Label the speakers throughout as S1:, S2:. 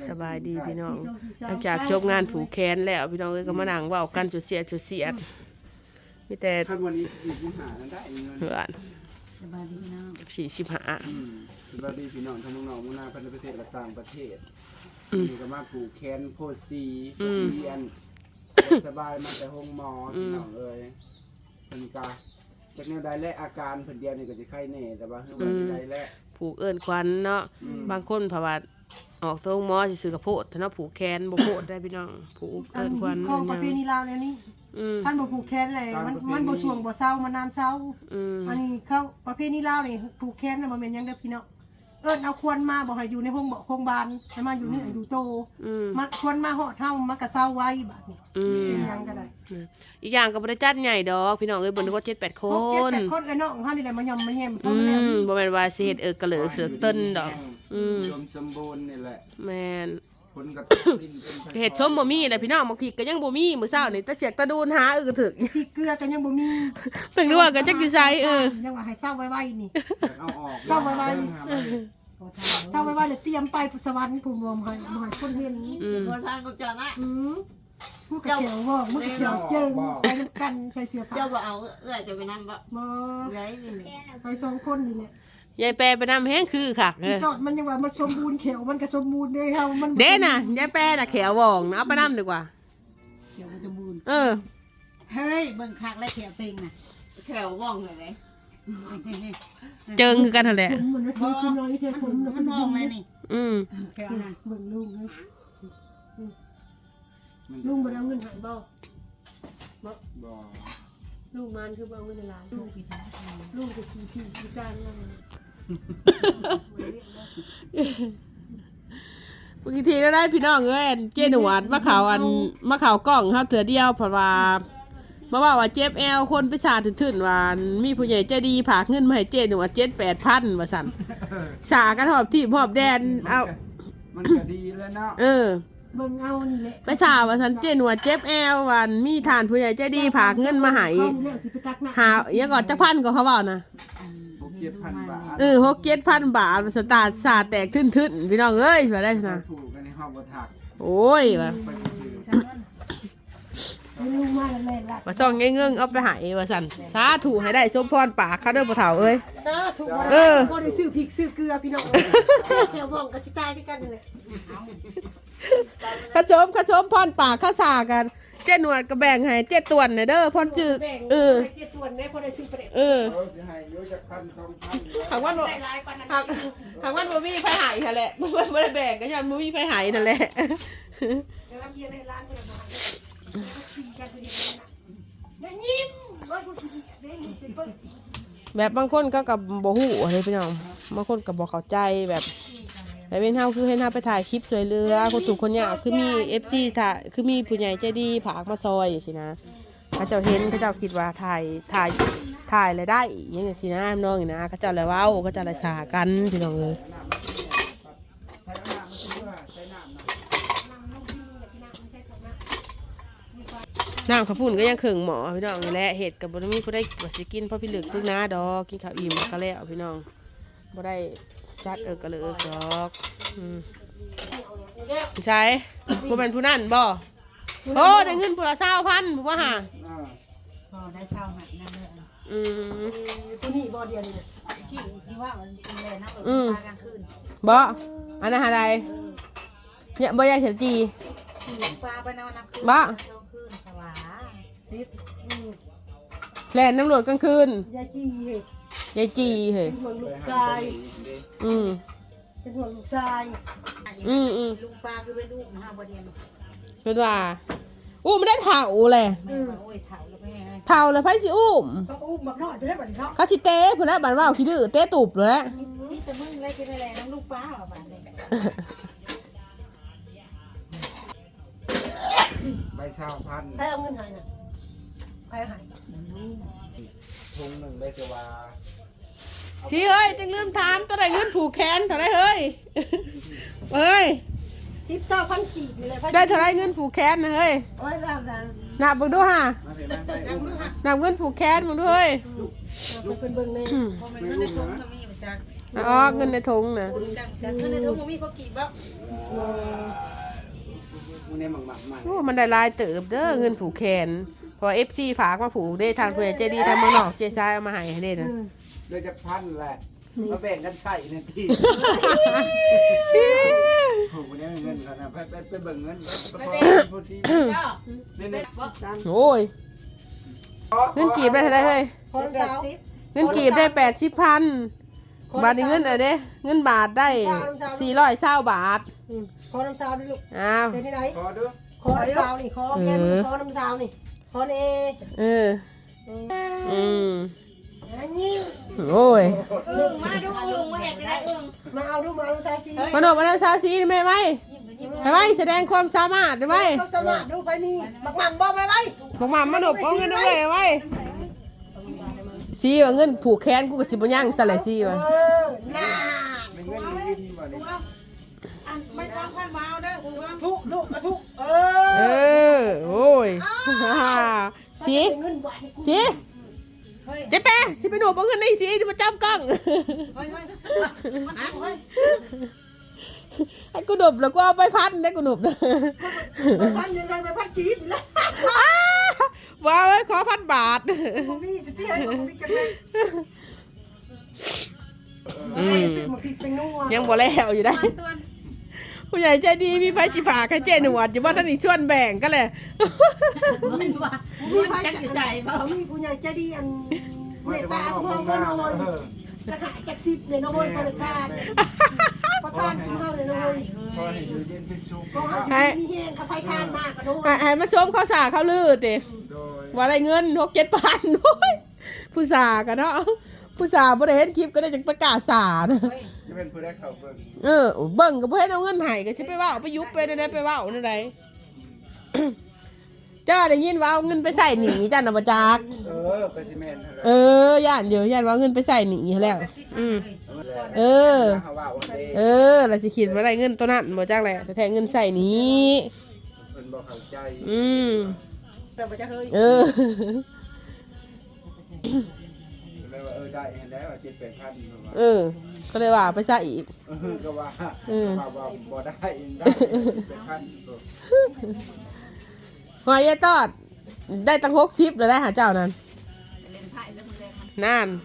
S1: สบายดีพี่น้องหลังจากจบงานผูกแขนแล้วพี่น้องเอ้ยก็มานั่งเว้ากันสุดเสียดมีแต่
S2: ถ้าวันนี้45นั้นได้เงิน
S1: เพื่อน
S3: สบายดีพี่น้อง
S1: 45
S2: สวัสดีพี่น้องทั้งน้องๆมุ่งหน้าพันธประเทศและต่างประเทศนี่ก็มาผูกแขนโพสซีเรียนสบายมาแต่ห้องหมอพี่น้องเอ้ยเป็นกาจากแนวใดและอาการเพิ่นเดียวนี่ก็จะไข้แน่แต่ว่าเฮือมันใดและ
S1: ผูกเอิ้นควันเนาะบางคนเพราะว่าออกตรงหมอสิซื้อกระโพดถ้าเนาะผูกแขนบ่โพดได้พี่น้องผูก
S4: อั
S1: เอิ้
S4: น
S1: นควัน
S4: ของประเพณีลาวแล้วนี่ท่านบ่ผูกแขนเลยมันบ่ช่วงบ่เศร้ามันนานเศร้าอันนี้เขาประเพณีลาวนี่ผูกแขนน่ะบ่แม่นหยังเด้อพี่น้องเอิ้นเอาควรมาบ่ให้อยู่ในห้องบ่โรงพยาบาลให้มาอยู่นี่อยู่โตมันควรมาฮอดเฮามันก็เศร้าไว้บัดนี้เป็นหยังก็ได้
S1: อีกอย่างก็บ่ได้จัดใหญ่ดอกพี่น้องเอ้ยเบิ่งก็7-8 ค
S4: คน
S1: น
S4: คนไอ้น้องเฮานี่แหละมายำมาแยมเพิ่นแล้ว
S1: บ่แม่นว่าสิเฮ็ดกระเหลือกเสือกเติ้นดอก
S2: รวมสมบูรณ์นี่แหละ
S1: แม่น
S2: คนกับดินเป็น
S1: เห็ดส้มบ่มีแหละพี่น้องบางทีก็ยังบ่มีมื้อเช้านี่ตะเสียกตะดูนหาก็ถึก
S4: พริกเกลือก็ยังบ่มี
S1: เพิ่นรู้ว่าก็จักอยู่ไส
S4: ยังว่าให้เศร้าไว้ๆนี่
S2: เอาออก
S4: เศร้าไว้เลยเตรียมไปสวรรค์ผู้บ่ให้คนเห็น
S3: โบราณกูจะนะ
S4: ผู้กระเจียวบอกผู้กระเจียวเจิงไปนำกันใครเสียผ้า
S3: เจ้าบ่เอาจะไปนั่งบ่
S4: บ่
S3: ไรนี่
S4: ไปสองคนนี่แหละ
S1: ยายแปรไปนำแฮงคือคัก
S4: จอดมันยังว่ามันสมบูรณ์เขียวมันก็สมบูรณ์เด้เฮามัน
S1: เด้น่ะยายแปรน่ะแขวว่องนะเอาไปนำดีกว่า
S3: เขียวมันจะบูน
S1: เออ
S3: เฮ้ยเบิ่งคักและแขวเต็งน่ะแขวว่องเลย
S1: เจิงคือกันนั่นแหละ
S4: ผมมันคือน้อยเท่ผม
S3: มันว่องเลยนี่ แขวน่ะ
S4: เบิ่งลุงเลยลุงบ่ได้เอาเงินให้บ่
S2: บ่
S4: ลุงมันคือบ่เอาเงินในร้านลุงลุงก็ขี้การนั่น
S1: บางทีแล้วได้พี่น้องเอ้ยเจหนวดมาข่าวมาข่าวกล้องเฮาเถื่อเดียวเพราะว่ามาว่าเจ็บแอลคนไปสาถึนๆว่ามีผู้ใหญ่ใจดีฝากเงินมาให้เจหนวด 7-8,000 ว่าซั่นสากันหอบที่หอบแดนเอา
S2: มันก็ดีแล้วเนาะ
S4: เบิ่งเอานี่แหละ
S1: ไปสาว่าซั่นเจหนวดเจ็บแอลวันมีทานผู้ใหญ่ใจดีฝากเงินมาให้หายังก่อนจักพันก็เขาเว้านะ
S2: 6-7,000 บาท
S1: 6-7,000 บาทสตาร์ทสาแตกทึนๆพี่น้องเอ้ยว่าได้นะ
S2: ถูกกันในห้องบ่ทัก
S1: โอ้ยว่า
S2: ไปซื้อ
S4: ลุงมาแล้วแม่ละ
S1: ว่าซ่องเงื่งเอาไปให้ว่าซั่นสาธุให้ได้สมพรปากเขาเด้อบ่เฒ่าเอ้ย
S4: ถูกบ่ได้ซื้อพริกซื้อเกลือพี่น้องแถวบ้องก็สิตายที่กันเลย
S1: ขชมพรปากข้าสากันเจ๊หนวดก็แบ่งให้เจ๊ตวนน่ะเด้อพรจืด
S4: เจ็ดส่วนแม่พอได้ซื้อประเด็น
S2: จะให้อยู่จัก1,000-2,000
S1: หากว่าบ่หากว่าบ่มีไผให้หั่นแหละบ่ได้แบ่งก็ย้อนบ่มีไผให้นั่นแหละ
S4: แล้วเบียร์ในร้านเนี่ยมากินกันเป็นยังไงนะยิ้มว่ากูกินได้ยินเป็นเปิ้ล
S1: แบบบางคนก็กับบ่ฮู้อะไรพี่น้องบางคนก็บ่เข้าใจแบบเป็นเฮาคือให้เฮาไปถ่ายคลิปสวยเรือคนถูกคนยากคือมี FC ถ่ายคือมีผู้ใหญ่ใจดีผากมาซอยจังซี่นะเขาเจ้าเห็นเขาเจ้าคิดว่าถ่ายแล้วได้อย่างนี้สินะน้องนี่นะเขาเจ้าเลยเว้าเขาเจ้าเลยสากันพี่น้องเอ้ยน้ำข้าวปุ้นก็ยังเข่งหมอพี่น้องนี่แหละเห็ดกับบ่มีผู้ได้บ่สิกินเพราะพี่ลึกพึ่งน้าดอกกินข้าวอิ่มก็แล้วพี่น้องบ่ได้จัดก็เลยดอกใช่บ่เป็นผู้นั่นบ่โอ้ได้เงินผู้ละ20,000บ่ว่าห่า
S3: พอได้เช่าหัดนั่นเลย
S4: ตัวนี้บ่เดียวเนี่ย
S3: กี่ที่ว่ามันแลนั่งรถมากลางคืน
S1: บ่อันนั้นหาใดเนี่ยบ่อยากเห็นจี
S3: ปลาไปนอนน้ำคืน
S1: บ่
S3: คืนสวา
S1: แล่นน้ำรวจกลางคืน
S4: ยายจี้เหตุ
S1: ยายจีเฮ้ย
S4: เป็นห่วงลูกชายเป็นห่วงลูกชาย
S3: ลุงปลาคือไปลูกนะฮะบ่เดียน
S1: เป็นว่ามันได้เถ่าแหละ
S3: โอ้ยเถ่าแล้วแม่
S1: เถ่าแล้วไผสิอุ้ม
S4: เขาอุ้มบักน้อยไปได้บัดนี้เนาะ
S1: เขาสิเตะพุ่นแล้วบัดว่าขี้ดื้อเตะตูบเลยแหละ
S3: นี่แต่มึงเลยกินอะไรน้องลูกปลาหรอบ้านเลย
S2: ใบ20,000
S4: ใครเอาเงินให้น่ะใครให้
S2: ถุงหนึ่งได้จะว่า
S1: สิเฮ้ยจังลืมถามตัวใดเงินผูกแขนเท่าไรเฮ้ยเอ้ย
S4: ทิปเศร้าพันกีบนี่แหละ
S1: ได้เท่าไรเงินผูกแขนนะเฮ้ย
S4: โอ้ยแล้ว
S1: นับเบิ่งดูฮะ
S2: มาเห็นไหมได้อุ้มนะ
S1: นับเงินผูกแขนมึงดูเฮ้ย
S4: เราเป็นเบิ่งใน
S3: พอมันก็ในถุงก็มีเหมือนกัน
S1: อ๋อเงินในถุงน่ะ
S3: จังเงินในถุงก็มีพอกี่บ้าง
S2: เมึงได้หมักใหม่
S1: โอ้มันได้หลายเติบเด้อเงินผูกแขนเพอ FC ฝากมาผูกได้ทางผู้ใหญ่ใจดีทางเมืองนอกเจซ้ายเอามาให้เด้นะ
S2: โดยจะพันแหละมาแบ่งกันใส่ในที่ผมคนนี้เงินกันนะไปเบิ่งเงินไปโพสีนี่
S1: โอ้ยเงินกีบได้เท่าไหร่เฮ้ย
S4: คนสาว
S1: เงินกีบได้ 80,000 บาทนี่เงินอะไรเด้เงินบาทได้420บาท
S4: ขอน้ำสาวดิลูก
S1: อ้าว
S4: เป็นที่ไหน
S2: ขอดู
S4: ขอน้ำสาวนี่ขอแกขอน้ำสาวนี่ขอเอ
S1: เอออืม
S4: อันนี้
S1: โอ้ย
S3: มาดูอึ่งมาเห็นได้อึ่ง
S4: มาเอาดูมาเอาสาวสิ
S1: มาโนมาแล้วซาซีแม่ไหมไปไหมแสดงความสามารถได้ไหม
S4: ต้องสมัครดูไปนี่บักหม่ำบ่ไปไหม
S1: บอกมามาโนเอาเงินด้วยไว้ซีว่าเงินผูกแขนกูกับสิบย่างสลายซีว่ะ
S4: น่า
S2: ไม่เงินมีวิธีบ่นี่
S3: ไม่ซ้ำพันมาเอาได้อึ่งว่า
S4: ทุลูกมาทุ
S1: เออโอ้ยซี
S4: เงินไหว
S1: ซีเจ๊แป๊สิไปหนูเอาเงินในซีที่มาจับกล้อง
S3: เฮ้ยเฮ้ย
S1: ให้กูหนุบแล้วกูเอาไปพันได้กูหนุบนะ
S4: พันยังไงไปพันกีบแล้ว
S1: ว้าวไว้ขอ1,000 บาท
S4: ผมมีสิที่ให้ผมมีจังเลยซื้อมาพริกเป็นนัว
S1: ยังบ่แล้วอยู่ได้ ผู้ใหญ่ใจดีมีไฟสิผาใครเจหนวดอยู่ว่าท่านนี่ชวนแบ่งก็เลย
S4: มีไผจักอยู่ใส่บ่มีผู้ใหญ่ใจดีอันเมตตาพวกเราหน่อยจะขายจักสิบเลยน้อยบริการประทานของเราเลยน้อย
S2: พอให้อยู่เย็นเป็นสุข
S4: ก็ให้มีแห้งกับไผทานมากกันน้อย
S1: ให้มันชมข้าวสาข้าวลือติ
S2: โดย
S1: ว่าได้เงิน6-7 พันด้วยผู้สากันเนาะผู้สาบ่ได้เห็นคลิปก็ได้จังประกาศสานะ
S2: จะเป็นผู้ได้เข้าเบิ่ง
S1: เบิ่งก็บ่เห็นเอาเงินให้ก็สิไปเว้าไปยุบไปได้ไปเว้านั่นใด เจ้าได้ยินว่าเอาเงินไปใส่หนีจ้าน่ะบ่จัก
S2: ไปซีเมนต์
S1: ย่านเดี๋ยวย่านว่าเอาเงินไปใส่หนีแล้วเออ
S2: เขาว่าวันเดย์
S1: เราสิคิดว่าได้เงินตัวนั้นบ่จักแหละแต่แท้เงินใส่หนี
S2: เพิ่นบ่เข้าใจ
S4: แต่บ่จะเฮ้ย
S2: เลยว่าได้เห็นแล้ว7-8,000ประมาณ
S1: ก็เลยว่าไปใส่อีก
S2: ก็ว่าว่าบ่ได้ได้7-8,000
S1: หอยายตอดได้ตั้ง60แล้วได้หาเจ้านั่นนั่น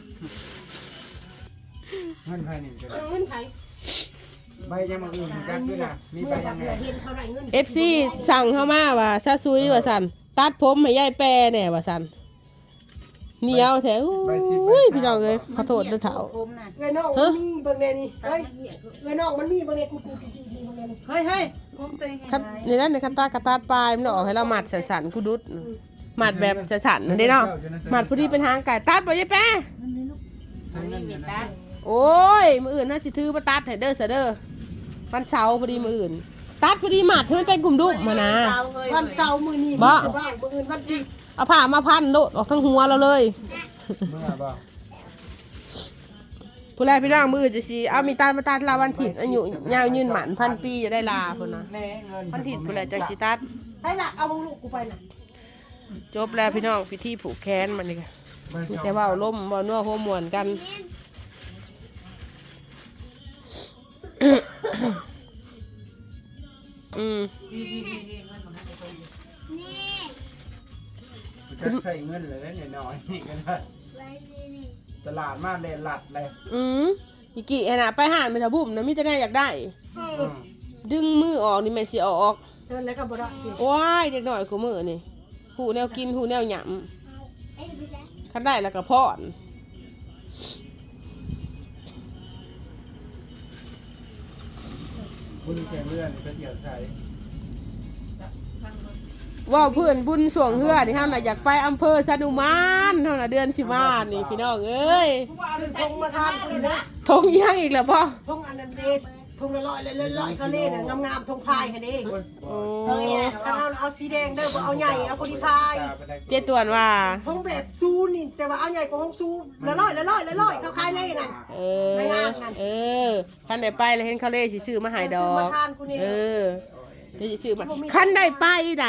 S2: เงินไผนี่ก็ได้
S4: เงินไผ
S2: ใบยังมาอื่นจักด้วยนะมีใบยังไง
S4: เห็นเท่าไหร่เงิน
S1: FC สั่งเข้ามาว่าซะซุยว่าซั่นตัดผมให้ยายแปรแน่ว่าซั่นเหนียวแท้อุ้ยพี่น้องเอ้ยขอโทษด้วยเฒ่า
S3: ผมน่ะ
S4: เงินนอกมันมีเบิ่งแน่นี่เฮ้ยเงินนอกมันมีเบิ่งแน่กูกี่เบิ่งแน่นี่
S3: เฮ้ยเฮ้ยผมตัวเอง
S1: คันนี่นั่นในคันตากระตาดปลายมันออกให้เราหมัดสันๆกูดุดหมัดแบบสันๆนั่นเด้เนาะหมัดพอดีเป็นหางไก่ตัดบ่ยายแปะ
S3: มันมีเมตตา
S1: โอ้ยมื้ออื่นน่าสิถือมาตัดให้เด้อซะเด้อวันเสาร์พอดีมื้ออื่นตัดพอดีหมัดให้มันเป็นกลุ่มดุมานะ
S4: วันเสาร์มื้อนี้
S1: บ่
S4: บ้างมื้ออื่นวันที่
S1: เอาผ้ามาพันโดดออกทั้งหัวเราเลย
S2: เมื่อบ่
S1: ผู้แรกพี่น้องมื้อจะสิเอามีตามาตัดลาวันถิดอายุยาวยืนหมันพันปีจะได้ลาพุ่นนะ
S2: แน่เงิน
S1: วันถิดผู้แรกจังสิตัด
S4: ให้หลักเอาลูกกูไปน่ะ
S1: จบแล้วพี่น้องพิธีผูกแขนมันนี่ค่ะมีแต่เว่าล่มเว่านัวหัวมวนกัน
S2: จะใส่เงินเลยเนี่ยน้อยนี่ก็ได้ตลาดมาเลยหลัดเลย
S1: อีกี่ขนาดไปหานไปทะบุ่มนะมิจะได้อยากได้ ดึงมือออกนี่แม่นสิเอาออก
S4: เดินแล้วก็บ่ได้
S1: ว้ายเด็กหน่อยกูมือนี่หูแนวกินหูแนวหยำคันได้แล้วก็พอน
S2: บุญแข่งเลื่อนก็เกี่ยวใส่
S1: ว่าเพื่อนบุญสวงเฮือนี่เฮาน่ะอยากไปอำเภอสะดุมานเฮาน่ะเดือนสิมานี่พี่น้องเอ้ย
S4: ทงมาทานคุณนะ
S1: ทงยังอีกแล้วพ่อ
S4: ทงอันนั้นเด็ดทงละร้อยเลยร้อยเขาเล่นงามๆทงพายค่ะเด้
S1: โอ้
S4: เอาสีแดงเด้อบ่เอาใหญ่เอาคนที่พาย
S1: เจ๊ตวนว่า
S4: ทงแบบซูนี่แต่ว่าเอาใหญ่กว่าทงซูละร้อยเขาขายได้นั่น
S1: คันได้ไปแล้วเห็นเขาเล่สิซื้อมาให้ดอก
S4: มาทานกูนี่
S1: เดี๋ยวสิซื้อมาคันได้ไปไหน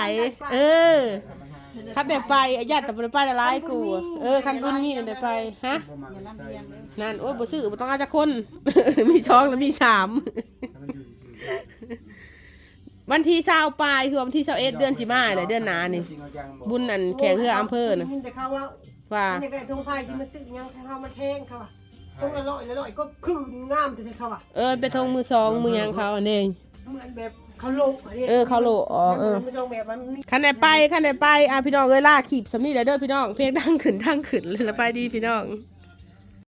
S1: คันได้ไปญาติแต่บ่ได้ไปละลายกูคันบุญมีได้ไปฮะนั่นโอ้ยบ่ซื้อบ่ต้องเอาจักคน มี2แล้วมี3 วันที่20ปลายคือวันที่21เดือนสิมาเลยเดือนหน้านี่บุญนั่นแข่งเรืออำเภอน่ะ
S4: ยินแต่เขาว่า
S1: ว่า
S4: อยากได้ทงไทยที่มาซื้อยังให้เขามาแทงเขาอ่ะทงละร้อยก็คืองามแต่เขาอ่ะ
S1: เป็นทงมือสองมือหยังเขาอันนี้
S4: เหมือนแบบเขาโลก
S1: เขาโลอ๋อ
S4: มันทงแบบมันมี
S1: คันไหนไปพี่น้องล่าขีบสำนีแล้วเด้อพี่น้องเพลงดังขึ้นเลยละไปดีพี่น้อง
S2: เ